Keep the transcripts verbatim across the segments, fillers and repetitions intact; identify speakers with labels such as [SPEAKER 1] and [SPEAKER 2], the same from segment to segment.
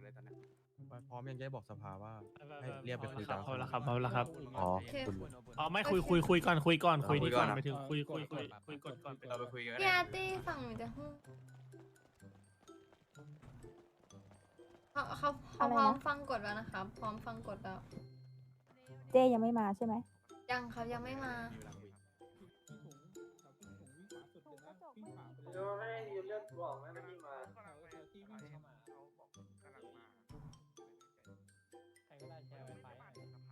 [SPEAKER 1] เลยตอนนี้
[SPEAKER 2] พร้อมยังจะบอกสภาว่าให้เรียกไปคุยกัน
[SPEAKER 3] พร้อมแล้วครับพร้อมแล้วครับ
[SPEAKER 2] อ๋อคุณ
[SPEAKER 3] อ๋อไม่คุยคุยคุยก่อนคุยก่อนคุยดีก่อนไปถึงคุยคุยคุยคุยก่อนก่อน
[SPEAKER 1] เราไปคุยกัน
[SPEAKER 4] พี่อาร์ตี้ฝั่งหนูจะห้องเขาเขาเขาพร้อมฟังกฎแล้วนะครับ พร้อมฟังกฎแล้ว
[SPEAKER 5] เจยังไม่มาใช่ไหม
[SPEAKER 4] ยังครับยังไม่มา
[SPEAKER 6] โยไม่ได้ยูเลือกบอกนะไม่มา
[SPEAKER 3] ใครก็ได้แชร์ไวไฟหน่อย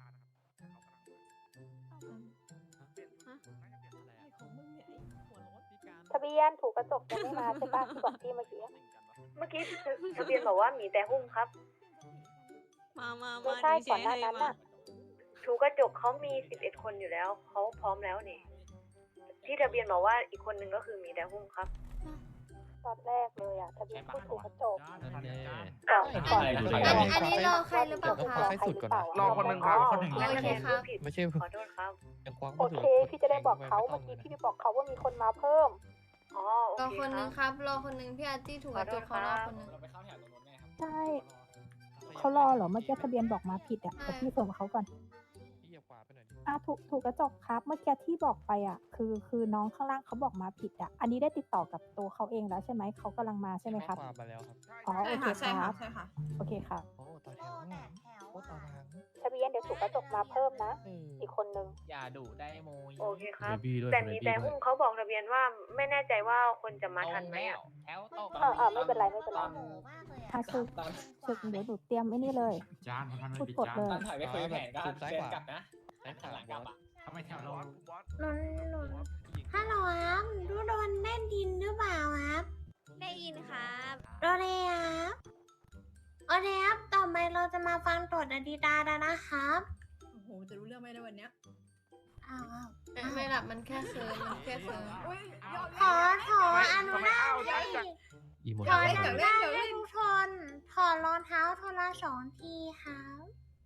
[SPEAKER 5] ทะเบียนถูกกระจกยังไม่มาใช่ปะที่บอกพี่เมื่อกี้
[SPEAKER 7] เมื่อกี้ทะเบียนบอกว่ามีแต่หุ้มครับ
[SPEAKER 8] มามา
[SPEAKER 5] ไม่
[SPEAKER 8] มา
[SPEAKER 5] ใช่
[SPEAKER 8] ดีเจ
[SPEAKER 5] ก่อนหน้า
[SPEAKER 8] ให้
[SPEAKER 5] นั้น
[SPEAKER 8] มา
[SPEAKER 5] น่ะ
[SPEAKER 7] ถูกกระจกเขามีสิบเอ็ดคนอยู่แล้วเขาพร้อมแล้วนี่ที่ทะเบียนบอกว่าอีกคนนึงก็คือมีแต่หุ้มครับ
[SPEAKER 5] ตอนแรกเลยอ่ะทะเบียนพูดถูกกระจก
[SPEAKER 7] ก่อน
[SPEAKER 5] ก่อน
[SPEAKER 4] อันนี้อันนี้รอใครหรือเปล่าคะ
[SPEAKER 5] ใครสุดก่อน
[SPEAKER 6] รอคนหนึ่งครับคนหนึ่ง
[SPEAKER 4] โอเคครับ
[SPEAKER 7] ผิด
[SPEAKER 2] ไม่ใช่
[SPEAKER 7] ขอโทษครับ
[SPEAKER 2] ยังควัก
[SPEAKER 5] โอเคพี่จะได้บอกเขาเมื่อกี้พี่ไปบอกเขาว่ามีคนมาเพิ่ม
[SPEAKER 7] อ๋อโอ
[SPEAKER 4] รอ
[SPEAKER 7] เค
[SPEAKER 4] คนห
[SPEAKER 7] ค
[SPEAKER 4] นึ
[SPEAKER 7] รั
[SPEAKER 4] ง
[SPEAKER 7] บ
[SPEAKER 4] ครับ รอคนหนึงพี่อาร์ตี้ถูกกระจกเขารอคนหนึง
[SPEAKER 3] เราไปเข้าแถวตรงนู้นแน่ครับ
[SPEAKER 5] ใช่เขารอเหรอเมื่อกี้ทะเบียนบอกมาผิดอ่ะแต่พี่ส่งเขาก่อน
[SPEAKER 2] พี่อย่าขวาไปหน่อย
[SPEAKER 5] อ่ะถูกถูกกระจกครับ เมื่อกี้ที่บอกไปอ่ะ คือคือน้องข้างล่างเขาบอกมาผิดอ่ะ อันนี้ได้ติดต่อกับตัวเขาเองแล้วใช่ไหมเขากำลังมาใช่ไหมครับ
[SPEAKER 2] ขวามาแล้วครับ
[SPEAKER 5] อ๋อโอเค
[SPEAKER 8] ใช่
[SPEAKER 5] ค
[SPEAKER 8] ค่ะ
[SPEAKER 5] รับ
[SPEAKER 8] ใช่ค่ะ
[SPEAKER 5] โอเคค่ะ
[SPEAKER 2] โอ้ต่อแถวโอ้ต่อทาง
[SPEAKER 5] ทะเบียนเดี๋ยวถูกกระจกมาเพิ่มนะ อีกคนนึง
[SPEAKER 3] อย่าดุได้โมย
[SPEAKER 7] โอเคครับ
[SPEAKER 2] พี่ด้วย
[SPEAKER 7] แต่มีแต่หุ้มเขาบอกทะเบียนว่าไม่แน่ใจว่าคนจะมาทันไหมอะ
[SPEAKER 3] แถวตก
[SPEAKER 5] เออเออไม่เป็นไรไม่เป็นไรทางคือคือเดี๋ยวหนูเตรียมไอ้นี่เลย
[SPEAKER 6] จานมัน
[SPEAKER 5] พูดกดเลย
[SPEAKER 3] ตอนถอยไปคุยแผนก็เดินกลับนะหันหลังกลับอ่ะ
[SPEAKER 6] ทำไมแถวเรา
[SPEAKER 4] หนุนหนุนฮัลโหลครับดูโดนได้ดินหรือเปล่าครับ
[SPEAKER 8] ได้ยินครับ
[SPEAKER 4] โดนเลยครับโอเคครับต่อไปเราจะมาฟังตรวจอดีตาแล้วนะครับ
[SPEAKER 8] โอ้โหจะรู้เรื่องไหมในวันเนี้ย
[SPEAKER 4] อ้าวไม่ไม่หลับมันแค่เคิร์มันแค่เคิร์
[SPEAKER 8] อุ้ยยอด
[SPEAKER 4] ขอขออนุญาตให้
[SPEAKER 2] อีโม
[SPEAKER 4] ขออนุญาตให้ทุกคนถอดรองเท้าทละสองทีครับ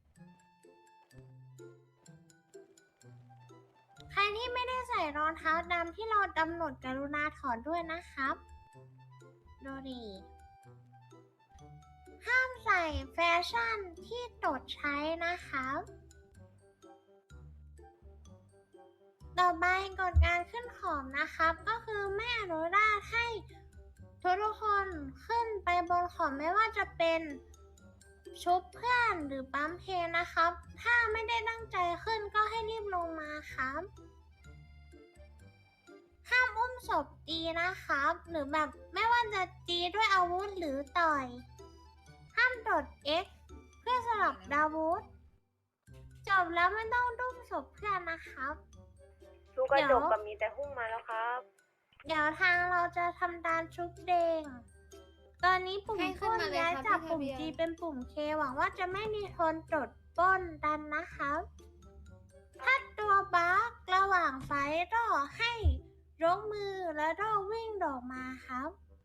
[SPEAKER 4] ใครที่ไม่ได้ใส่รองเท้าดำที่เรากำหนดกรุณาถอดด้วยนะครับดูดิห้ามใส่แฟชั่นที่ตดใช้นะครับต่อไปกฎการขึ้นขอบนะครับ ก็คือไม่อนุญาตให้ทุกทุกคนขึ้นไปบนขอบไม่ว่าจะเป็นชุบเพื่อนหรือปั๊มเพลงนะครับ ถ้าไม่ได้ตั้งใจขึ้นก็ให้รีบลงมาครับห้ามอุ้มศพตีนะครับ หรือแบบไม่ว่าจะตีด้วยอาวุธหรือต่อย ห้ามดด X เพื่อสลับดาวุธจบแล้วไม่ต้องดุ้มศพเพื่อนนะครับ
[SPEAKER 7] ถูกกระจกกับมีแต่หุ้มมาแล้วครับ
[SPEAKER 4] เดี๋ยวทางเราจะทำการชุบเดง ตอนนี้ปุ่ม
[SPEAKER 9] ให้ขึ้
[SPEAKER 4] ป
[SPEAKER 9] น
[SPEAKER 4] ล้น
[SPEAKER 9] มาเลย
[SPEAKER 4] ย้าย
[SPEAKER 9] ครับ
[SPEAKER 4] จาก
[SPEAKER 9] พี่
[SPEAKER 4] ปุ่ม
[SPEAKER 9] ทะเบียน
[SPEAKER 4] G เป็นปุ่ม K หวังว่าจะไม่มีคนจดปล้นดันนะครับ ถ้าตัวบั๊กระหว่างไฟรอให้ยกมือแล้วรอวิ่งดอกมาครับ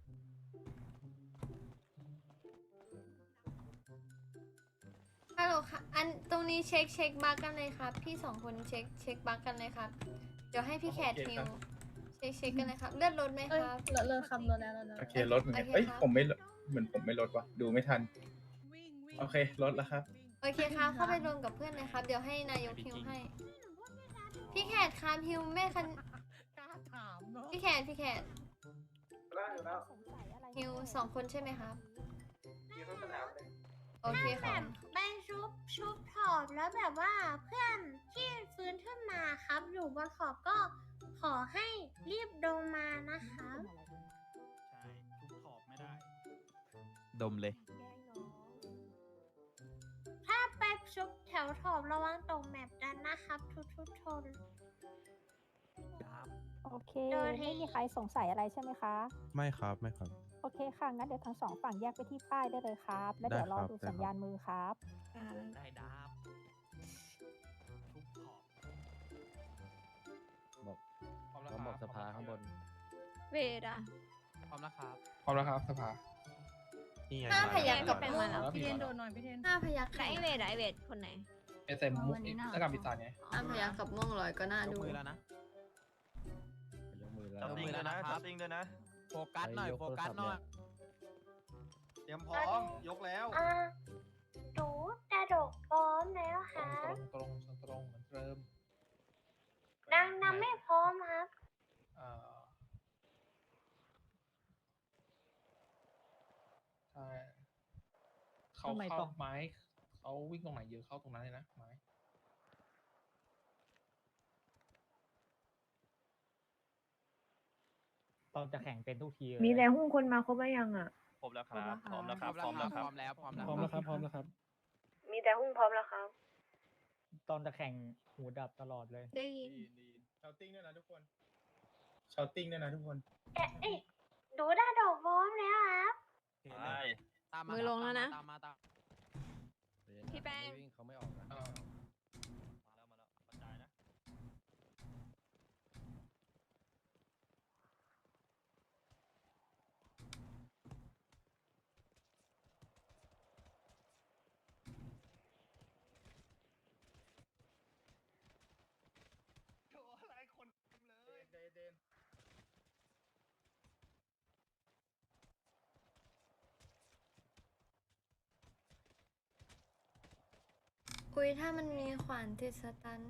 [SPEAKER 9] ฮัลโหลค่ะ อันตรงนี้เช็คเช็คบั๊กกันเลยครับ พี่สองคนเช็คเช็คบั๊กกันเลยครับ เดี๋ยวให้พี่แคทฮิวเช็คเช็คกันเลยครับ เลือดลดไหมครับ
[SPEAKER 8] เลอะเลอะคำเลอะแล้วเลอะแล้ว
[SPEAKER 10] โอเคลดเหมือนกัน
[SPEAKER 9] โอเค
[SPEAKER 10] เอ้ย
[SPEAKER 9] ครับ
[SPEAKER 10] ผมไม่ลดเหมือนผมไม่ลดว่ะดูไม่ทันโอเคลดแล้วครับ
[SPEAKER 9] โอเคครับ เข้าไปรวมกับเพื่อนเลยครับ เดี๋ยวให้นายกฮิวให้ พี่แคทครับฮิวแม่คันพี่แคทพี่แคท
[SPEAKER 6] แล้วอยู่แล้ว
[SPEAKER 5] สงสัยอะไร
[SPEAKER 9] ฮิวสองคนใช่ไหมครับ
[SPEAKER 6] ยืนทั้งสนามเลย
[SPEAKER 9] โอเค
[SPEAKER 4] แบ
[SPEAKER 9] ครับ
[SPEAKER 4] บไปชุบชุบถอบแล้วแบบว่าเพื่อนที่ฟื้นขึ้นมาครับ อยู่บนขอบก็ขอให้รีบลงมานะคะ
[SPEAKER 3] ใช่ทุกขอบไม่ได้
[SPEAKER 2] ดมเลย
[SPEAKER 4] ถ้าไปชุบแถวถอบระวังตกแมปกันนะครับ ทุกทุกๆคน
[SPEAKER 5] โอเค
[SPEAKER 4] โดยที่
[SPEAKER 5] ไม่มีใครสงสัยอะไรใช่ไหมคะ
[SPEAKER 2] ไม่ครับไม่ครับ
[SPEAKER 5] โอเคค่ะ งั้นเดี๋ยวทั้งสองฝั่งแยกไปที่ป้ายได้เลยครับ แล้วเดี๋ยวรอ
[SPEAKER 2] ได้ครับ
[SPEAKER 5] ดู
[SPEAKER 2] ได้ครับ
[SPEAKER 5] สัญญาณมือครับ
[SPEAKER 3] ได้ดาบทุกขอบ
[SPEAKER 2] บอก
[SPEAKER 3] พร้อมแล้ว
[SPEAKER 2] เขา
[SPEAKER 3] ครับ
[SPEAKER 2] บอกสภาข้างบน
[SPEAKER 8] เวดอะ
[SPEAKER 3] พร้อมแล้วครับ
[SPEAKER 10] พร้อมแล้วครับสภา
[SPEAKER 2] นี่ไง
[SPEAKER 9] ห้าพยักกับ
[SPEAKER 8] เป็น
[SPEAKER 9] ม่ว
[SPEAKER 8] มาง แล้ว
[SPEAKER 3] พี่เทนโดน
[SPEAKER 9] ห้าพยัก
[SPEAKER 8] ใครไอเวดอะไอเวดคนไหน
[SPEAKER 10] เอสเอ็มมุกแล้วกับพิซซ่าไง
[SPEAKER 9] ห้าพยักกับม่วงลอยก็น่าย
[SPEAKER 3] ก
[SPEAKER 9] ดู
[SPEAKER 3] มือแล้วนะ
[SPEAKER 2] ยกมือแล้ว
[SPEAKER 3] ยกมือแล้วนะครับ
[SPEAKER 1] ติ้งด้วยนะ
[SPEAKER 3] โฟกัสหน่อย โฟกัสหน่อย
[SPEAKER 6] เตรียมพร้อม ยกแล้ว
[SPEAKER 4] อ่าหนูกระดกพร้อมแล้วค
[SPEAKER 3] ตรง
[SPEAKER 4] รับ
[SPEAKER 3] ตรงตรงตรงเหมือนเดิม
[SPEAKER 4] ดังนั้นไม่พร้อมครับ
[SPEAKER 3] เอ่อใช่เขาเข้าไม้เขาวิ่งตรงไหนเยอะเข้าตรงนั้นเลยนะไม้
[SPEAKER 1] ตอนจะแข่งเป็นทุกที
[SPEAKER 7] มีแต่หุ้นคนมาครบแล้วยังอ่ะ
[SPEAKER 6] ครบแล้วครับ พร้อมแล้วครับ พร้อมแล้วครับ
[SPEAKER 2] พร้อมแล้วพร้อมแล้ว
[SPEAKER 3] พร้อมแล้วครับพร้อมแล้วครับ
[SPEAKER 7] มีแต่หุ้นพร้อมแล้วครับ
[SPEAKER 1] ตอนจะแข่งหูดับตลอดเลย
[SPEAKER 8] ได้ยิน
[SPEAKER 10] ดีดีชาวติ้งด้วยนะทุกคนชาวติ้งด้วยนะทุกคน
[SPEAKER 4] เอ๊ะเอ๊ะหนูกระดกพร้อมแล้วครับ
[SPEAKER 6] ไป
[SPEAKER 2] ตามมา
[SPEAKER 8] มือลงแล้วนะ
[SPEAKER 2] ตามมาตาม
[SPEAKER 8] พี่แป้ง
[SPEAKER 2] ไม่วิ่งเขาไม่ออกนะ
[SPEAKER 3] อ่า
[SPEAKER 6] มาแล้ว มาแล้วกระจายนะ โถอะไรคนเลย
[SPEAKER 10] เดนเดน
[SPEAKER 9] อุ้ยถ้ามันมีขวานติดสตัน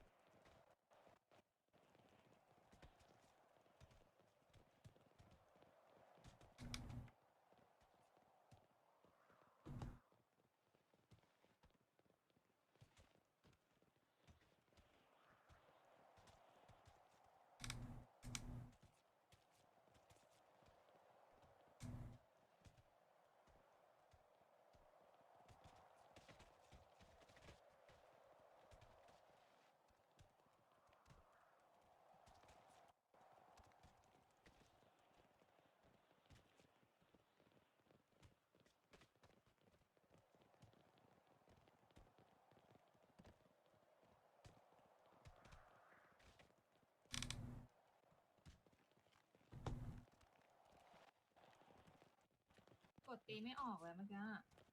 [SPEAKER 8] กดตีไม่ออกเลยเมื่อกี้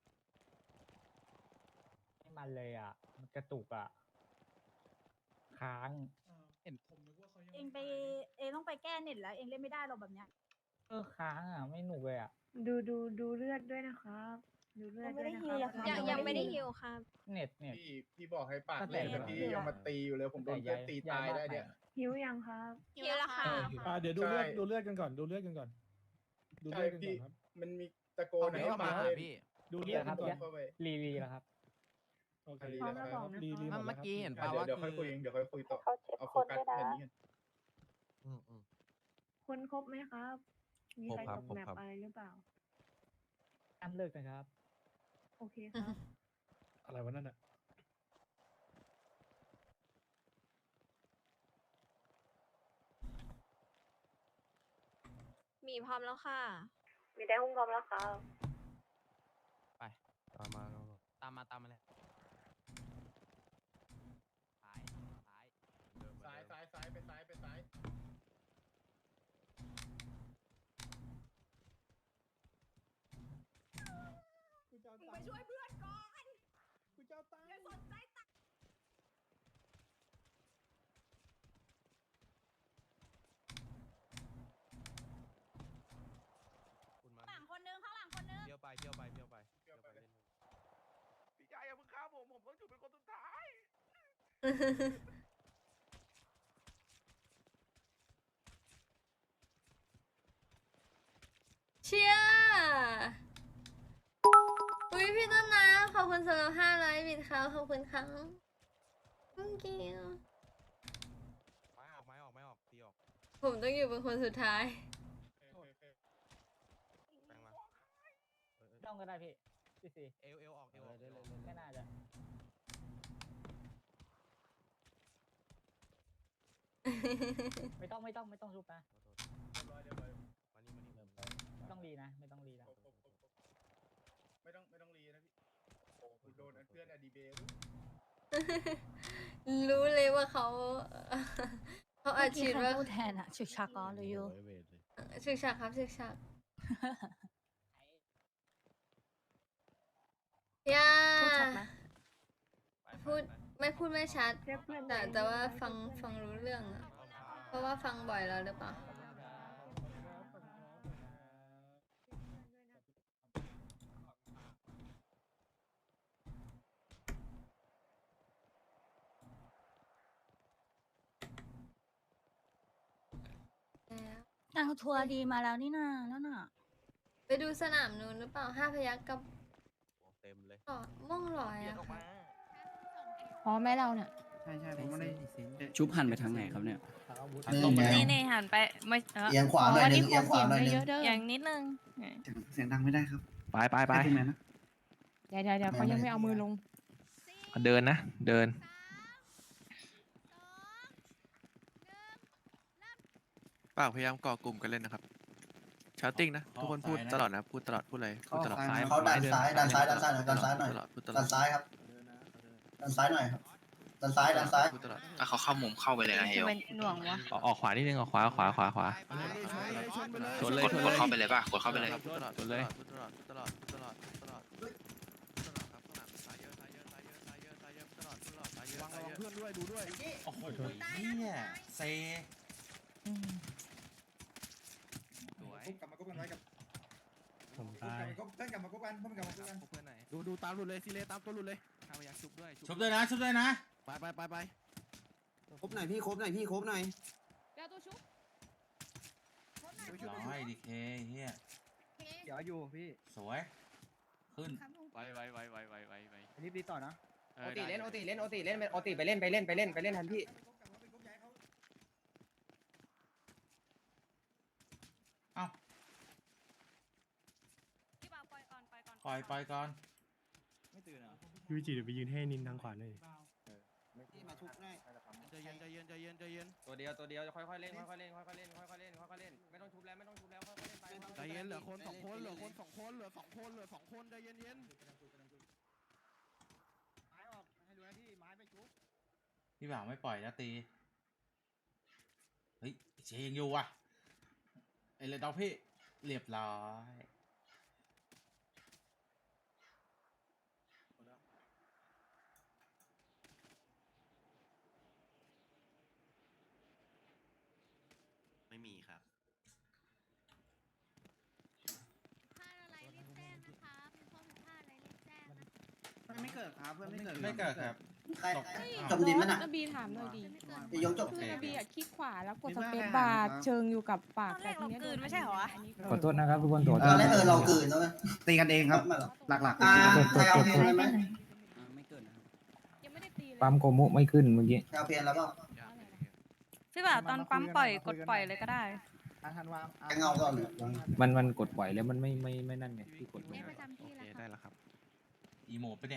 [SPEAKER 1] ไม่มันเลยอ่ะ มันกระตุกอ่ะ ค้าง
[SPEAKER 3] เห็นผมนึกว่าเขายัง
[SPEAKER 8] เองไปเองต้องไปแก้เน็ตแล้ว เองเล่นไม่ได้หรอกแบบเนี้ย
[SPEAKER 1] เออค้างอ่ะ ไม่หนุกเลยอ่ะ
[SPEAKER 7] ดูดูดูเลือดด้วยนะครับ ดูเลือดด้วยนะค
[SPEAKER 5] ยังไม่ได้ฮีลเลย
[SPEAKER 7] รั
[SPEAKER 5] ค่ะ
[SPEAKER 7] บ
[SPEAKER 8] ยังยังไม่ได้ฮิวครับ
[SPEAKER 1] เน็ตเน็ต
[SPEAKER 10] พี่พี่บอกให้ปาก
[SPEAKER 1] ตั้ง
[SPEAKER 10] เห
[SPEAKER 1] แต่
[SPEAKER 10] ล็กแต่พี่ยังมาตีอยู่เลยผมโดนเพื่อนตีตายได้เนี่ย
[SPEAKER 7] หิวยังครับ
[SPEAKER 8] ฮิวแล้วค่ะ
[SPEAKER 3] อ่าเดี๋ยวดูเลือด
[SPEAKER 10] ใช่
[SPEAKER 3] ดูเลือดกันก่อนดูเลือดกันก่อน ดู
[SPEAKER 10] ใช่
[SPEAKER 3] เลือดกันก่
[SPEAKER 10] พี่
[SPEAKER 3] อนครับ
[SPEAKER 10] มันมีตะโกน
[SPEAKER 2] เอา
[SPEAKER 10] ให้
[SPEAKER 2] เข้ามา
[SPEAKER 10] ปาก
[SPEAKER 2] หา
[SPEAKER 10] เลย
[SPEAKER 2] พี่
[SPEAKER 3] ดูเลือดกันก่อน
[SPEAKER 10] เข้าไป
[SPEAKER 1] รีรีแล้วครับ
[SPEAKER 3] โอเค
[SPEAKER 10] พร้อมแล้วบอก
[SPEAKER 3] รีรีหมด
[SPEAKER 2] เมื่
[SPEAKER 3] แล้วครับ
[SPEAKER 2] อกี้เห็น
[SPEAKER 10] อ่ะ
[SPEAKER 2] ป่า
[SPEAKER 10] เดี๋ยว
[SPEAKER 2] ว่า
[SPEAKER 10] เดี๋ยวค่อยคุย
[SPEAKER 2] คือ
[SPEAKER 10] เองเดี๋ยวค่อยคุยต่อ
[SPEAKER 5] เขาเช็ค
[SPEAKER 10] เอาโฟ
[SPEAKER 5] คน
[SPEAKER 10] กัส
[SPEAKER 5] ด้วยนะ
[SPEAKER 10] แค่นี้กัน
[SPEAKER 2] อืมอืม
[SPEAKER 7] คนครบไหมครับ มีใคร
[SPEAKER 2] ครบครับ
[SPEAKER 7] ตก
[SPEAKER 2] ครบ
[SPEAKER 7] แมป
[SPEAKER 2] ครับ
[SPEAKER 7] อะไรหรือเปล่า
[SPEAKER 1] อันเลิกนะครับ
[SPEAKER 7] โอเคครับ
[SPEAKER 3] อะไรวะนั่นอ่ะ
[SPEAKER 8] มีพร้อมแล้วค่ะ
[SPEAKER 7] มีแต่หุ้นพร้อมแล้วครับ
[SPEAKER 2] ไปตามมาตามมาตามมาเลยซ้ายซ้ายเดิมเหมือน
[SPEAKER 10] ซ้าย
[SPEAKER 2] เดิม
[SPEAKER 10] ซ้ายซ้ายไปซ้ายไปซ้าย
[SPEAKER 8] ไปช่วยเพื่อนก่อน
[SPEAKER 3] กูจะตาย
[SPEAKER 8] อย่าสนใจตัง
[SPEAKER 2] คุณมา
[SPEAKER 8] ข้างหลังคนนึงข้างหลังคนนึง
[SPEAKER 2] เที่ยวไปเที่ยวไปเที่ยวไปเที่ยวไปเล่น
[SPEAKER 6] พี่ชายอย่าเพิ่งฆ่าผม ผมต้องอยู่เป็นคนสุดท้าย
[SPEAKER 9] เชียร์อุ้ยพี่ต้นน้ำขอบคุณสำหรับห้าร้อยบิตครับขอบคุณครับ thank you
[SPEAKER 2] ไม้ออกไม้ออกไม้ออกตีออก
[SPEAKER 9] ผมต้องอยู่เป็นคนสุดท้าย
[SPEAKER 10] โอเคโอเค
[SPEAKER 2] แปลงมาเออเออ
[SPEAKER 1] ต้องก็ได้พี่ พี่ซี
[SPEAKER 2] เอวเอวออกเอวออก
[SPEAKER 1] ไม่น่าจะ ไม่ต้องไม่ต้องไม่ต้องชุบนะ
[SPEAKER 10] เรียบร้อยเรียบร้อย
[SPEAKER 2] มานี่มานี่
[SPEAKER 1] ไม่ต้องรีนะ ไม่ต้องรีนะ
[SPEAKER 10] ครบครบครบครบไม่ต้องไม่ต้องรีนะพี่โอ้โหโดนเพื่อนอดีเบล
[SPEAKER 9] รู้เลยว่าเขา เขาอาชีพว่า
[SPEAKER 8] พูดแทนอะชุกชักอ๋อหรือยู
[SPEAKER 9] ฉึกฉักครับฉึกฉักย่า
[SPEAKER 8] พูดชัดไหม
[SPEAKER 9] พูดไม่พูดไม่ชัด
[SPEAKER 7] เรียกเพื่อน
[SPEAKER 9] แต่
[SPEAKER 7] หน่อย
[SPEAKER 9] แต่ว่าฟังฟังรู้เรื่องอะเพราะว่าฟังบ่อยแล้วหรือเปล่า
[SPEAKER 8] ทางทัวร์ดีมาแล้วนี่นาแล้วน่ะ
[SPEAKER 9] ไปดูสนามนู้นหรือเปล่าห้าพยัคฆ์กับ
[SPEAKER 2] เต็มเลย
[SPEAKER 9] ต่อม่วงลอยอะค่ะ
[SPEAKER 8] พร้อมไหมเราเนี่ย
[SPEAKER 6] ใช่ใช่ผมไม่ได้
[SPEAKER 11] ชุบหันไปทางไหนครับเนี่ย
[SPEAKER 8] นี่นี่หันไปไม่เออ
[SPEAKER 6] เอียงขวาหน่อยนึงเอียงขวาหน่อยนึง
[SPEAKER 8] อย่างนิดนึง
[SPEAKER 6] เสียงดังไม่ได้ครับ
[SPEAKER 11] ไปไปไป
[SPEAKER 6] ขึ้นมานะ
[SPEAKER 8] เดี๋ยวเดี๋ยวเดี๋ยวเขายังไม่เอามือลง
[SPEAKER 11] เดินนะ เดิน
[SPEAKER 2] ปากพยายามก่อกลุ่มกันเล่นนะครับชาร์ติ้งนะทุกคนพูดตลอดนะพูดตลอดพูดอะไรพูดตลอด
[SPEAKER 6] เขาดันซ้ายดันซ้ายดันซ้ายหน่อยดันซ้ายหน่อย
[SPEAKER 2] ตลอดพูดตลอ
[SPEAKER 6] ดั
[SPEAKER 2] ด
[SPEAKER 6] นซ้ายครับดันซ้ายหน่อยครับดันซ้ายดันซ้าย
[SPEAKER 2] พูดตลอด
[SPEAKER 10] ถ้าเขาเข้ามุมเข้าไปเลยนะเฮล
[SPEAKER 8] เป็นหน่วงวะ
[SPEAKER 11] ออกขวานิดนึงออกขวาขวาขวาขวาชนเลย
[SPEAKER 10] กด
[SPEAKER 11] ชน
[SPEAKER 10] กด
[SPEAKER 11] เลย
[SPEAKER 10] เข้าไปเลยป่ะกดเข้าไปเลย
[SPEAKER 2] พูดตลอด
[SPEAKER 11] ชนเลย
[SPEAKER 2] พูดตลอดพูดตลอดพูดตลอดพูดตลอดพูดตลอดพูดตลอดครับข้างหลังซ้ายเยอะซ้ายเยอะซ้ายเยอะซ้ายเยอะซ้ายเยอะพูดตลอดพูดตลอดซ้ายเยอะซ้ายเยอะ
[SPEAKER 6] เพื่อนด้วยดูด้วย
[SPEAKER 10] โอ้โหเนี่ยเซ
[SPEAKER 2] สวย
[SPEAKER 6] กลับมากุ๊กกันไว้กับ
[SPEAKER 1] ผมตาย
[SPEAKER 6] เพื่อนกลับมากุ๊กกันเพื่อนกลับมากุ๊กกัน
[SPEAKER 2] เพื่อนไหน
[SPEAKER 6] ดูดูตามหลุดเลยซีเลตามตัวหลุดเลย
[SPEAKER 2] ข้าพยักชุบด้วย
[SPEAKER 10] ชุบด้วยนะชุบด้วยนะ
[SPEAKER 6] ไปไปไปไปครบหน่อยพี่ครบหน่อยพี่ครบหน่อย
[SPEAKER 8] เดี๋ยวตัวชุบ
[SPEAKER 10] ร้อยดีเคเฮีย
[SPEAKER 6] เดี๋ยวอยู่พี่
[SPEAKER 10] สวย ขึ้น
[SPEAKER 2] ไวไวไวไวไวไวไว
[SPEAKER 6] รีบดีต่อนะ
[SPEAKER 2] โอ
[SPEAKER 6] โอติเล่นโอติเล่นโอติเล่นโอติไปเล่นไปเล่นไปเล่นไปเล่นทันพี่
[SPEAKER 10] เอ้า
[SPEAKER 8] พี่บ่าวปล่อยก่อนปล่อยก่อน
[SPEAKER 10] ปล่อยปล่อยก่อน
[SPEAKER 6] ไม่ตื่นเหรอ
[SPEAKER 1] พี่วิจิเดี๋ยวไปยืนให้นินทางขวาหน่อย
[SPEAKER 6] พี่มาชุบหน่อย
[SPEAKER 2] ใจเย็นใจเย็นใจเย็นใจเย็น
[SPEAKER 6] ตัวเดียวตัวเดียวค่อยๆเล่นค่อยๆเล่นค่อยๆเล่นค่อยๆเล่นค่อยๆเล่นไม่ต้องชุบแล้วไม่ต้องชุบแล้วค่อยๆเล่นไป
[SPEAKER 2] ใจเย็นเหลือคนสองคนเหลือคนสองคนเหลือสองคนเหลือสองคนใจเย็นเย็น
[SPEAKER 6] ไม้ออกให้ดูนะพี่ไม้ไปชุบ
[SPEAKER 10] พี่บ่าวไม่ปล่อยนะตี เฮ้ยเชยังอยู่ว่ะไอ้เลยดอกพี่เรียบร้อย
[SPEAKER 11] ไม่มีครับ
[SPEAKER 8] พลาดอะไรรีบแจ้งนะคะมีข้อผิดพลาดอะไรรีบแจ้งนะ
[SPEAKER 6] ไม่เกิดครับเพื่อนไม่เกิด
[SPEAKER 10] ไม่เกิดครับ
[SPEAKER 6] ใคร
[SPEAKER 10] ตก
[SPEAKER 6] จมดินมันอ่ะ
[SPEAKER 12] นบีถามหน่อยดี
[SPEAKER 6] จะยกจบ
[SPEAKER 12] คือนบีอะคลิกขวาแล้วกดสเปซบาร์เชิงอยู่กับปาก
[SPEAKER 8] ตอนแรกเรากลืนไม่ใช่เหรอวะ
[SPEAKER 1] ขอโทษนะครับทุกคนโทษ
[SPEAKER 6] เออแล้วเออเราเกินแล้วไหมตีกันเองครับ หลักๆอ่าใครเอาเพลงอะไรไหม
[SPEAKER 11] ไม่เกินนะครับ
[SPEAKER 12] ยังไม่ได้ตีเลย
[SPEAKER 1] ปั๊มโกมุไม่ขึ้นเมื่อกี้
[SPEAKER 6] ใครเอาเพลงแล้วก็
[SPEAKER 8] พี่บ่าวตอนปั๊มปล่อยกดปล่อยเลยก็ได้
[SPEAKER 6] เงาก่อน
[SPEAKER 1] มันมันกดปล่อยแล้วมันไม่ไม่ไม่นั่นไงที่กดลง
[SPEAKER 8] เรียกประจำที่
[SPEAKER 2] โอ
[SPEAKER 8] แล้ว
[SPEAKER 2] เค
[SPEAKER 8] ค่ะ
[SPEAKER 2] ได้แล้วครับ
[SPEAKER 10] อีโมดไปะเนี่ย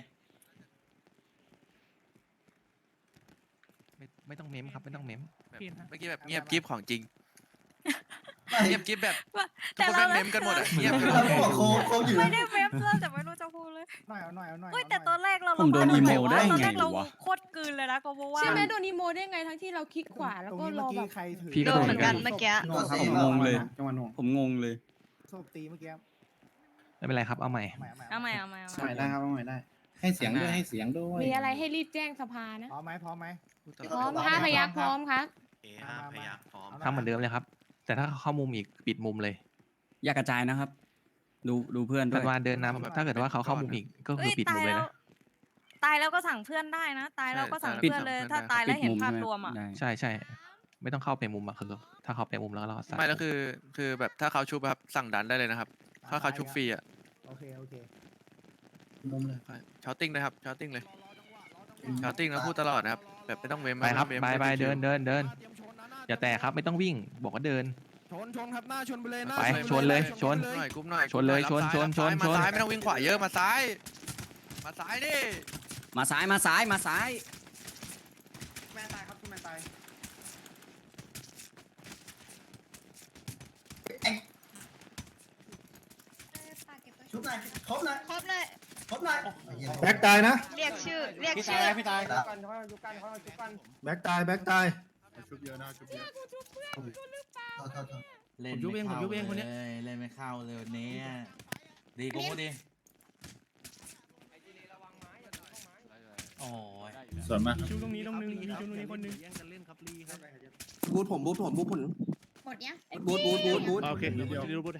[SPEAKER 2] ไม่ไม่ต้องเมมครับไม่ต้องเมมแบบเมื่อกี้แบบเงียบกิ๊บของจริงเงียบกิ๊บแบบทุ
[SPEAKER 8] แต่
[SPEAKER 2] กคน
[SPEAKER 8] เรา
[SPEAKER 2] แม่งเมมกันหมดอะเงียบกันหม
[SPEAKER 6] เรา
[SPEAKER 2] ด
[SPEAKER 6] ก็บอกโคโคอยู่
[SPEAKER 8] ไม่ได้เว็บเลยแต่ไม่รู้จะพูดเลย
[SPEAKER 6] หน่อยเอาหน่อยเอาหน่อย
[SPEAKER 8] เฮ้ยแต่ตอนแรกเรา
[SPEAKER 11] ผมโดน
[SPEAKER 8] เรา
[SPEAKER 11] อีโม
[SPEAKER 8] แบบ
[SPEAKER 11] ได้
[SPEAKER 8] ว่าตอน
[SPEAKER 11] ไง
[SPEAKER 8] แรกเรา
[SPEAKER 11] วะ
[SPEAKER 8] โคตรกลืนเลยนะก็เพราะว่า
[SPEAKER 12] ใช่ไหมโดนอีโมได้ไงทั้งที่เราคลิกขวาแล้วก็รอแบบ
[SPEAKER 11] พี่ก็โดนเหมือนกัน
[SPEAKER 8] เมื่อกี้
[SPEAKER 11] ผมงงเลย
[SPEAKER 6] จังหวะหน่วง
[SPEAKER 11] ผมงงเลย
[SPEAKER 6] โชคตีเมื่อกี้
[SPEAKER 2] ไม่เป็นไรครับเอาใหม่
[SPEAKER 8] เอาใหม่เอาใหม่เอาให
[SPEAKER 6] ให
[SPEAKER 8] ม่
[SPEAKER 6] ม่ได้ครับใหม่ได้ ให้เสียงด้วยให้เสียงด้วย
[SPEAKER 12] มีอะไรให้รีบแจ้งสภานะ
[SPEAKER 6] พร้อมไหมพร้อมไหม
[SPEAKER 12] พร้อมห้าพยักพร้อมครับ
[SPEAKER 11] เอห้าพยักพร้อม
[SPEAKER 2] ทำเหมือนเดิมเลยครับ แต่ถ้าเข้ามุมอีกปิดมุมเลย
[SPEAKER 11] อย่ากระจายนะครับ ดูดูเพื่อนด้
[SPEAKER 2] ธั
[SPEAKER 11] วน ยว
[SPEAKER 2] าเดินนำถ้าเกิดว่าเขาเข้ามุมอีกก็คือ
[SPEAKER 8] เอ้ย
[SPEAKER 2] ปิด
[SPEAKER 8] ตา
[SPEAKER 2] มุ
[SPEAKER 8] ย
[SPEAKER 2] มเลย
[SPEAKER 8] แล้ว
[SPEAKER 2] นะ
[SPEAKER 8] ตายแล้วก็สั่งเพื่อนได้นะ ตายแล้วก็สั่ง
[SPEAKER 2] ปิด
[SPEAKER 8] เพื่อนเลย
[SPEAKER 2] เพื่อน
[SPEAKER 8] ถ้า
[SPEAKER 2] ได้
[SPEAKER 8] ตายแล้วเห็น
[SPEAKER 11] มุม
[SPEAKER 8] ภาพ
[SPEAKER 11] ใช่ไห
[SPEAKER 8] รวมอ่ะ
[SPEAKER 11] ได้
[SPEAKER 2] ใช่ใช่ไม่ต้องเข้าไปมุมอะคือถ้าเข้าไปมุมแล้วเราไม่แล้วคือคือแบบถ้าเขาชุบครับสั่งดันได้เลยนะครับ ถ้าเขาชุบฟรีอ่ะ
[SPEAKER 6] โอเคโอเคมุมเลย
[SPEAKER 2] ชาร์ติ้งนะครับชาร์ติ้งเลยชาร์ติ้งแล้วพูดตลอดนะครับแบบไม่ต้องเวม
[SPEAKER 11] ไปครับ
[SPEAKER 2] ม่
[SPEAKER 11] ไป
[SPEAKER 2] ต้อง
[SPEAKER 11] ไป
[SPEAKER 2] ม่ต้อง
[SPEAKER 11] เดินเดินเดิน
[SPEAKER 2] อย่าแตะครับไม่ต้องวิ่งบอกว่าเดิน
[SPEAKER 6] ชนชนครับหน้าชนไปเลยหน้า
[SPEAKER 11] ไปชนเลยชน
[SPEAKER 2] หน่อยกรุ๊ปหน่อย
[SPEAKER 11] ชนเลย
[SPEAKER 2] รับ
[SPEAKER 11] ชน
[SPEAKER 2] ซ้า
[SPEAKER 11] ชน
[SPEAKER 2] รับซ้าย
[SPEAKER 11] ชน
[SPEAKER 2] มา
[SPEAKER 11] ชน
[SPEAKER 2] ซ้ายไม่ต้องวิ่งขวาเยอะมาซ้าย มาซ้ายดิ
[SPEAKER 11] มาซ้ายมาซ้ายมาซ้าย
[SPEAKER 6] แมนตายครับคุณแมนตาย ชุบหน่อยครบหน่อย
[SPEAKER 8] ครบเลย
[SPEAKER 6] ครบหน่อย
[SPEAKER 1] แบ็กตายนะ
[SPEAKER 8] เรียกชื่อ เรียก
[SPEAKER 1] พี่
[SPEAKER 8] ชื่
[SPEAKER 1] ตา
[SPEAKER 8] อ
[SPEAKER 1] ยพี่ตาย
[SPEAKER 6] ชุบกันเขาชุบกันเขาชุบกัน
[SPEAKER 1] แบ็กตายแบ็กตาย
[SPEAKER 6] ชุบเยอะนะชุบเยอะโทษโทษโทษ
[SPEAKER 10] เล่นไม่เข้าเลยเล่นไม่เข้าเลยวันนี้ดีกูดีโอ้ยส่วนมาก
[SPEAKER 1] ชูตรงนี้ตรงนึงมีชูตรงนี้คนนึง
[SPEAKER 6] บูทผมบูทผมบูทผม
[SPEAKER 8] หมดยัง
[SPEAKER 6] บูทบูทบูทบูท
[SPEAKER 1] โอเคเดี๋ยวดูบูท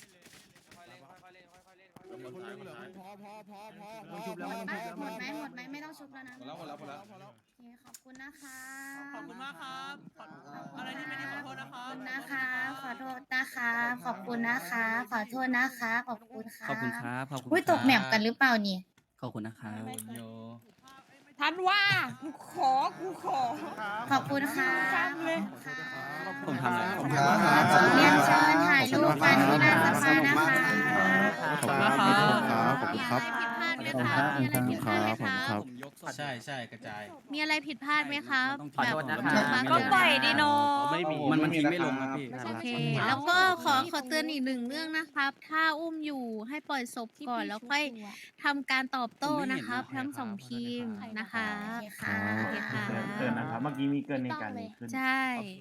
[SPEAKER 6] พอพอพอพอ
[SPEAKER 8] หมดไหมหมดไหมหมดไหมไม่ต้องชุบแล้วนะ
[SPEAKER 10] หมดแล้วหมดแล้วหมดแล้ว
[SPEAKER 8] โอเคขอบคุณนะคะ
[SPEAKER 6] ขอบอบคุณมากครับขออะไรที่ไม่ดีขอโทษนะครับ
[SPEAKER 4] นะคะ ขอโทษนะคะ ขอบคุณนะคะ ขอโทษนะคะ ขอบคุณค่ะ
[SPEAKER 11] ขอบคุณครับขอบคุณ
[SPEAKER 4] อุ้ยตกแมปกันหรือเปล่านี่
[SPEAKER 11] ขอบคุณนะครับ
[SPEAKER 12] ทันว่ากูขอกูขอ
[SPEAKER 4] ขอบคุณค่ะ
[SPEAKER 12] ซ้ำเลย
[SPEAKER 11] ผมทำอะไร
[SPEAKER 4] ขอบคุณค่ะเรียนเชิญถ่ายรูปกันที่หน้าสภานะคะ
[SPEAKER 11] ขอบคุณครับขอบคุณครับ
[SPEAKER 8] มีอะไรผิดพลาดไหมคะมีอะไรผิดพลาดไหมครับ
[SPEAKER 11] ใช่ใช่กระจาย
[SPEAKER 8] มีอะไรผิดพลาดไหมครับ
[SPEAKER 11] ขอโทษนะ
[SPEAKER 8] แบบ
[SPEAKER 11] ครับ
[SPEAKER 8] ก็ปล่อยดีโน
[SPEAKER 11] ไม่มีมันมันทิ้งไม่ลงครับพี่
[SPEAKER 8] โอเค แล้วก็ขอขอเตือนอีกหนึ่งเรื่องนะครับ ถ้าอุ้มอยู่ให้ปล่อยศพก่อนแล้วค่อยทำการตอบโต้นะครับ ทั้งสองทีมนะคะค่ะโอเคค่ะ
[SPEAKER 1] เกินนะครับ เมื่อกี้มีเกินในการนี้ขึ้น
[SPEAKER 8] ใช่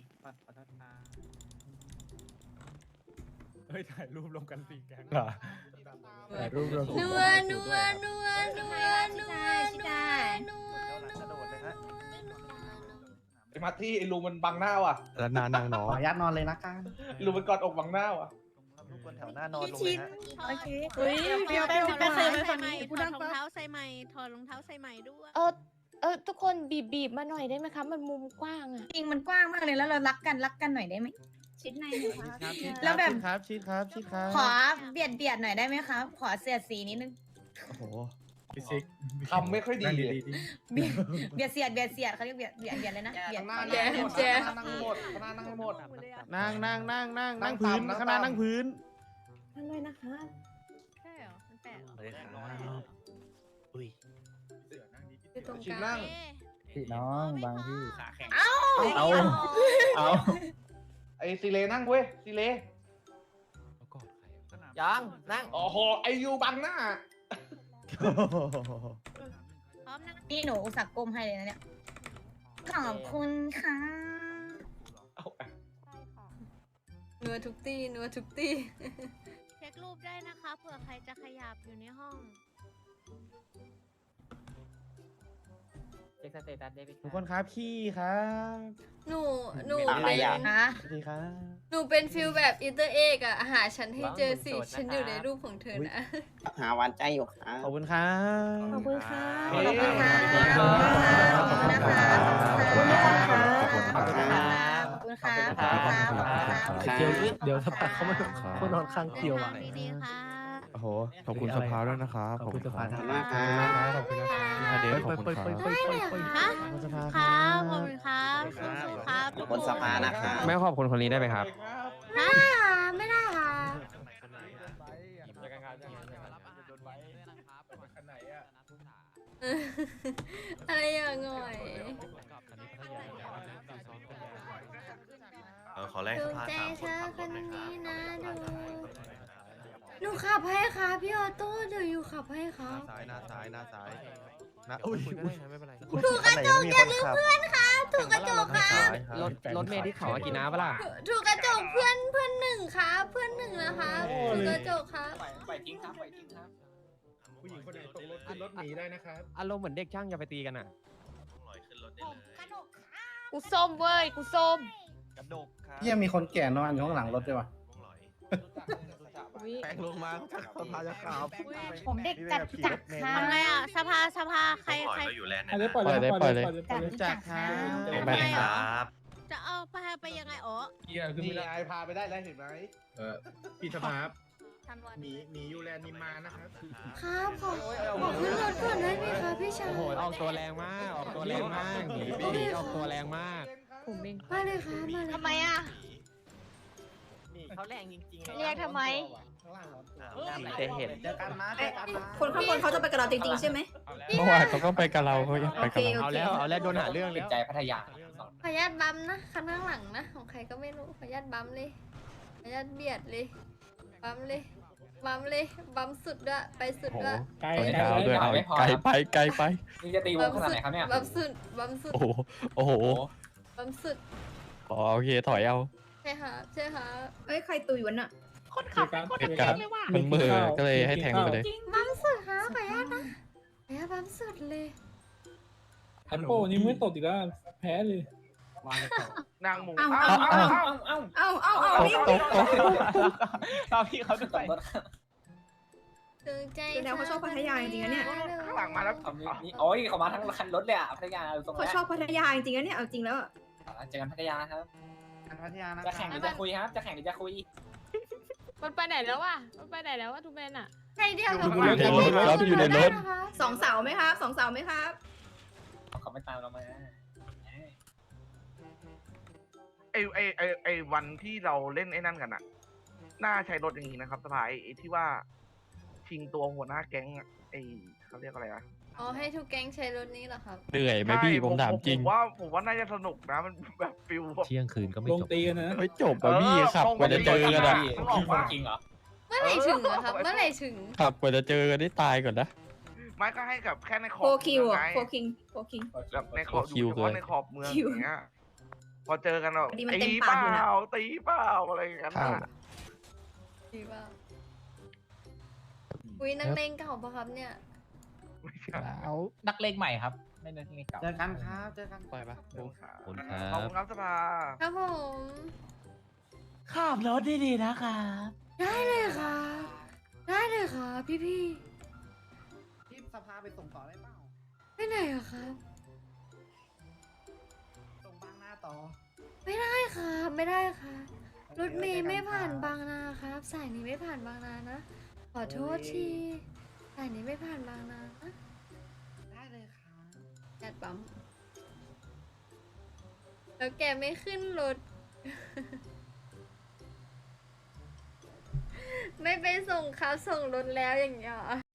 [SPEAKER 1] เฮ้ย ถ่ายรูปลงกันสี่แก๊งเหรอถ่ายรูปลง
[SPEAKER 9] นัวนัวนัวนัวนัวนัวนัว
[SPEAKER 3] ไอ้มาที่ไอ้ลุงมันบังหน้าว่ะ
[SPEAKER 1] แล้วนานางน้อ
[SPEAKER 6] ขออนุญาตนอนเลยนะกัน
[SPEAKER 3] ลุงมันกอดอกบังหน้าว่ะ
[SPEAKER 6] ลูกบนแถวหน้านอนลงเลยฮะ
[SPEAKER 8] โอเคเฮ้ยเดี๋ยวไปไปใส่ใส่ใหม่ถอดรองเท้าใส่ใหม่ถอดรองเท้าใส่ใหม่ด้วย
[SPEAKER 9] เออเออทุกคนบีบบีบมาหน่อยได้ไหมคะมันมุมกว้างอะ
[SPEAKER 4] จริงมันกว้างมากเลยแล้วเรารักกันรักกันหน่อยได้ไหมชิดในหน่อยครับ
[SPEAKER 6] แล้วแบบครับชิดครับชิดครับ
[SPEAKER 4] ขอเบียดเบียดหน่อยได้ไหมครับ ขอเสียดสีนิดนึง
[SPEAKER 1] โอ้โหพี่ซิก
[SPEAKER 3] ทำไม่ค่อยดี
[SPEAKER 1] นั่ง
[SPEAKER 3] เลย
[SPEAKER 1] ดีๆดิ
[SPEAKER 4] เบียดเบียดเสียดเบียดเสียดเขาเรียกเบียดเบียดเบียดเลยนะเบียด
[SPEAKER 3] หน้า
[SPEAKER 4] เบียด
[SPEAKER 3] นั่งหมด
[SPEAKER 9] แจ๊
[SPEAKER 3] นั่งหมดนั่งนั่งหมด
[SPEAKER 6] นั่งนั่งนั่งนั่ง
[SPEAKER 3] นั่
[SPEAKER 6] นั่
[SPEAKER 3] ง
[SPEAKER 6] งพื้น
[SPEAKER 3] ตามนั่ง
[SPEAKER 6] ข้างหน้า
[SPEAKER 3] ตาม
[SPEAKER 6] นั่งพื้น
[SPEAKER 4] นั่นเลยนะคะ
[SPEAKER 8] ใช่เหรอมันแปลกเหรอ
[SPEAKER 9] อยู่ตรง
[SPEAKER 3] ชิ
[SPEAKER 9] ก
[SPEAKER 3] ง
[SPEAKER 9] ลา
[SPEAKER 3] นั่
[SPEAKER 9] ง
[SPEAKER 3] ง
[SPEAKER 1] พี่น้องบางพี่
[SPEAKER 4] เอ้า
[SPEAKER 1] เอาเอา
[SPEAKER 3] ไอ้ซีเลนั่งเว้ยซีเล
[SPEAKER 6] ยังนั่ง
[SPEAKER 3] โอ้โหไอยูบังหน้า
[SPEAKER 8] พร้อมนะ
[SPEAKER 4] นี่หนูอุตส่าห์ก้มให้เลยนะเนี่ยขอบคุณค่ะ
[SPEAKER 3] เอา
[SPEAKER 9] นัวทุกตีนัวทุกตี
[SPEAKER 8] เช็ครูปได้นะคะเผื่อใครจะขยับอยู่ในห้อง
[SPEAKER 6] เช็คสเตตัสได้ไหมทุกคนครับพี่ครับ
[SPEAKER 9] หนูหนู
[SPEAKER 6] อะไร
[SPEAKER 9] เป็น
[SPEAKER 6] อ่ะ
[SPEAKER 4] นะ
[SPEAKER 6] สวัสดีครับ
[SPEAKER 9] หนูเป็นฟิลแบบอินเตอร์เอกอะหาฉันให้เจอสิฉันอยู่ในรูปของเธอนะ
[SPEAKER 6] หาหวานใจอยู่ครับขอบคุณครับ
[SPEAKER 4] ขอบคุณค่ะ
[SPEAKER 3] เฮ้
[SPEAKER 4] ข
[SPEAKER 3] ย
[SPEAKER 4] อบคุณค่ะขอบคุณนะคะขอบคุณนะคะขอบคุณค่ะขอบคุณค่ะขอบคุณค่ะขอบคุณค่ะ
[SPEAKER 1] เดี๋ยวเดี๋ยวสักพักเขามาเขานอนข้างเกี่ยวอ่ะ
[SPEAKER 8] ดีๆค่ะ
[SPEAKER 1] โอ้โห ขอบคุณสภาด้วยนะครับ ขอบคุณสภา
[SPEAKER 6] ขอบคุณมากครับ
[SPEAKER 1] ขอบคุณนะครับเดี๋ยวขอบคุณครับ
[SPEAKER 8] ได้เลยค่ะ
[SPEAKER 6] ขอบคุณสภา
[SPEAKER 8] ครับขอบคุณครับสู้ๆครับ
[SPEAKER 6] ขอบคุณสภานะครับ
[SPEAKER 1] แม่ขอบคุณคนนี้ได้ไหมครับ
[SPEAKER 9] อ่าไม่ได้ค่ะ อะไรอย่างง่อย
[SPEAKER 11] เออขอแรก
[SPEAKER 9] ถู
[SPEAKER 11] ส
[SPEAKER 9] ก
[SPEAKER 11] ภา
[SPEAKER 9] ใจ
[SPEAKER 11] สามค
[SPEAKER 9] เธ
[SPEAKER 11] น
[SPEAKER 9] อ
[SPEAKER 11] ขับ
[SPEAKER 9] ค
[SPEAKER 11] รถ
[SPEAKER 9] น
[SPEAKER 11] หน่อยค
[SPEAKER 9] นี้
[SPEAKER 11] รับ
[SPEAKER 9] นะดูหนูขับให้ค่ะพี่ออโต้เดี๋ยวอยู่ขับให้ค่ะ
[SPEAKER 11] ซ้ายหน้าซ้ายหน้าซ้ายนะอุ้ยอุ้ยไม่เป็นไร
[SPEAKER 9] ถูกกระจกอย่าลืมเพื่อนค่ะถูกกระจกค่ะ
[SPEAKER 1] รถรถเมล์ที่เขากินน้ำปะล่ะ
[SPEAKER 9] ถูกกระจกเพื่อนเพื่อนหนึ่งค่ะเพื่อนหนึ่งนะคะถูกกระจกค่ะ
[SPEAKER 6] ปล่อยทิ้งครับปล่อยทิ้งครับ
[SPEAKER 10] ผู้หญิงคนไหนตกรถขึ้นรถหนีได้นะครับ
[SPEAKER 1] อารมณ์เหมือนเด็กช่างอย่าไปตีกันอ่ะ
[SPEAKER 11] ลอยขึ้นรถได้เลย
[SPEAKER 9] กูส้มเว้ยกูส้ม
[SPEAKER 11] กระดกครับ
[SPEAKER 6] เยี่ยมีคนแก่นอนอยู่ข้างหลังรถด้วยว่ะ
[SPEAKER 11] ลอย
[SPEAKER 6] แปลงลงมาสภาจะขาว
[SPEAKER 4] ผมเด็กจัดจัดค่ะ
[SPEAKER 8] ทำไงอ่ะสภาสภาใคร
[SPEAKER 11] ลอ
[SPEAKER 8] ใคร
[SPEAKER 11] ยเราอยู่แลนด์
[SPEAKER 1] อัน
[SPEAKER 11] นะ
[SPEAKER 1] นี้ปล่อยเลยปล่อยเลย
[SPEAKER 4] จัดจัดค่ะ
[SPEAKER 11] ไม่เป็นไรครับ
[SPEAKER 8] จะเอาไปไปยังไงอ๋อ
[SPEAKER 3] เกียร์ขึ้น
[SPEAKER 6] นี่
[SPEAKER 3] ไม่ได้
[SPEAKER 6] ไอพาไปได้แล้วเห็นไหม
[SPEAKER 10] เออพี่สภาพ
[SPEAKER 8] ทันวัน
[SPEAKER 10] หนีหนียูแลนด์นิมมานะครับ
[SPEAKER 9] ครับขอขอขึ้นรถก่อนได้ไหมคะพี่ชาย
[SPEAKER 1] โอ้โห ออกตัวแรงมาก ออกตัวแรงมากหนีหนีออกตัวแรงมาก
[SPEAKER 9] ผมเองมาเลยค่ะมาเลย
[SPEAKER 8] ทำไมอ่ะ
[SPEAKER 6] นี่เขาแรงจริงๆ
[SPEAKER 8] เรียกทำไม
[SPEAKER 6] จะเห็นเจอกันนะเจอกันนะ
[SPEAKER 4] คนข้างบนเขาจะไปกับเราจริงๆใช่ไหม
[SPEAKER 1] เมื่อวานเขาก็ไปกับเราเขายังไปกับเรา
[SPEAKER 4] โอเคโอเค
[SPEAKER 1] เอาแล้ว เอาแล้วโดนหาเรื่องแล้ว
[SPEAKER 6] ใจพัทยา
[SPEAKER 9] ขออนุญาตบัมนะคันข้างหลังนะของใครก็ไม่รู้ขออนุญาตบัมเลยขออนุญาตเบียดเลยบัมเลยบัมเลยบัมสุดด้วยไปสุดด้วย
[SPEAKER 1] ไกลไกลด้วยเอาไกลไปไกลไป
[SPEAKER 6] นี่จะตีวงขนาดไหนครับเนี่ย
[SPEAKER 9] บัมสุดบัมสุด
[SPEAKER 1] โอ้โห โอ้โห
[SPEAKER 9] บัมสุด
[SPEAKER 1] อ๋อโอเค ถอยเอา
[SPEAKER 9] ใช่ค่ะใช่ค่ะ
[SPEAKER 4] เอ้ยใครตุยวันน่ะ
[SPEAKER 1] เหตุการณ์มันมือก็เลยให้แทงไปเลย
[SPEAKER 9] บัมสุดค่ะขออนุญาตนะขออนุญาตบัมสุดเลย
[SPEAKER 3] แอปโป้นี่ไม่ตกอีกแล้วแพ้เลย
[SPEAKER 6] นางหมู
[SPEAKER 4] เอา
[SPEAKER 6] เอ้า
[SPEAKER 4] เอา
[SPEAKER 6] เอ้า
[SPEAKER 4] เอา
[SPEAKER 6] เอ้า
[SPEAKER 4] เอาเอาเอา
[SPEAKER 1] ตก
[SPEAKER 4] พี่
[SPEAKER 1] ตกตก
[SPEAKER 6] เอาพี่เขาด้วย
[SPEAKER 9] ถึงใจ
[SPEAKER 4] แสดงว่าเขาชอบพัทยาจริงๆนะเนี่ย
[SPEAKER 6] ข้างหลังมาแล้วนี่โอ้ยเขามาทั้งคันรถเลยอ่ะพัทยาตรง
[SPEAKER 4] เขา
[SPEAKER 6] นี้
[SPEAKER 4] ชอบพัทยาจริงๆนะเนี่ยเอาจริงแล้วอะ
[SPEAKER 6] เจอกันพัทยาครับพัทยานะ
[SPEAKER 12] จะแข่งหรือจะคุยครับ จะแข่งหรือจะคุย
[SPEAKER 13] มันไปไหนแล้ววะมันไปไหนแล้ววะทูเบนอะ
[SPEAKER 9] ใช่เดียวกับ
[SPEAKER 1] อยู่ในรถครับอยู่ในรถ
[SPEAKER 12] สองเสาไหมครับสองเสาไหมครับ
[SPEAKER 6] เขาไม่ตามเรามา
[SPEAKER 3] ไอไอไอไอวันที่เราเล่นไอ้นั่นกันอะน่าใช้รถอย่างนี้นะครับสภายไอที่ว่าชิงตัวหัวหน้าแก๊งอะไอเขาเรียกอะไรอะ
[SPEAKER 9] อ๋อให้ทุกแก๊งใช้รถนี้เหรอครับ
[SPEAKER 11] เหนื่อยไหมพี่ผมถามจริง
[SPEAKER 3] ผมว่าผมว่าน่าจะสนุกนะมันแบบฟิลแบบ
[SPEAKER 11] เที่ยงคืนก็ไม่
[SPEAKER 1] ลง
[SPEAKER 11] จบ
[SPEAKER 1] ตีกันนะ
[SPEAKER 11] ไม่จบอ่ะพี่ขับกว่าจะเจอกันอ่ะ
[SPEAKER 3] ออกมา
[SPEAKER 6] จริงเหรอ
[SPEAKER 9] เมื่อไหร่ถึงอะครับ เมื่อไหร่ถึง
[SPEAKER 11] ขับกว่าจะเจอกันได้ตายก่อนนะ
[SPEAKER 3] ไม่ก็ให้กับแค่ในขอบ
[SPEAKER 12] โฟคิว
[SPEAKER 3] เมือง
[SPEAKER 12] อ่ะ
[SPEAKER 3] ไง
[SPEAKER 12] โฟคิงโฟคิง
[SPEAKER 3] แบบในขอบอยู่เฉพาะในขอบเมือง
[SPEAKER 12] คิว
[SPEAKER 3] อย่างเงี้ยพอเจอกันเรา
[SPEAKER 12] พอดีมัน
[SPEAKER 3] ตี
[SPEAKER 12] เต็ม
[SPEAKER 3] เป
[SPEAKER 12] ปากอยู่
[SPEAKER 3] ล่า
[SPEAKER 12] นะ
[SPEAKER 3] ตีเปล่าอะไรอย่างเงี้ย
[SPEAKER 11] ครับ
[SPEAKER 3] น่ะ
[SPEAKER 9] ดีป่ะอุ้ยนักเลงเก่าปะครับเนี่ย
[SPEAKER 11] เอา
[SPEAKER 6] นักเลงใหม่ครับ ไม่นักเลงเก่าเจอกันครับเจอกัน
[SPEAKER 11] ปล่อยปะ
[SPEAKER 3] ขอบคุณครับ
[SPEAKER 11] ขอบคุณครั
[SPEAKER 3] ขอบบ คุณครับสภา
[SPEAKER 9] ครับผม
[SPEAKER 6] ขับรถดีๆนะครับ
[SPEAKER 9] ได้เลยค่ะ ได้เลยค่ะ พี่พี่
[SPEAKER 6] ที่สภาไปส่งต่อได้เปล่า
[SPEAKER 9] ๆไปไหนอะครับ
[SPEAKER 6] ส่งบางหน้าต่อ
[SPEAKER 9] ไม่ได้ค่ะ ไม่ได้ค่ะ รถเมย์ไม่ผ่านบางนาครับ สายนี้ไม่ผ่านบางนานะ ขอโทษที สายนี้ไม่ผ่านบางนานะ
[SPEAKER 6] ได้เลยครับ
[SPEAKER 9] แอดปั๊มแล้วแกไม่ขึ้นรถ ไม่ไปส่งครับส่งรถแล้วอย่างเงี้ยเหรอ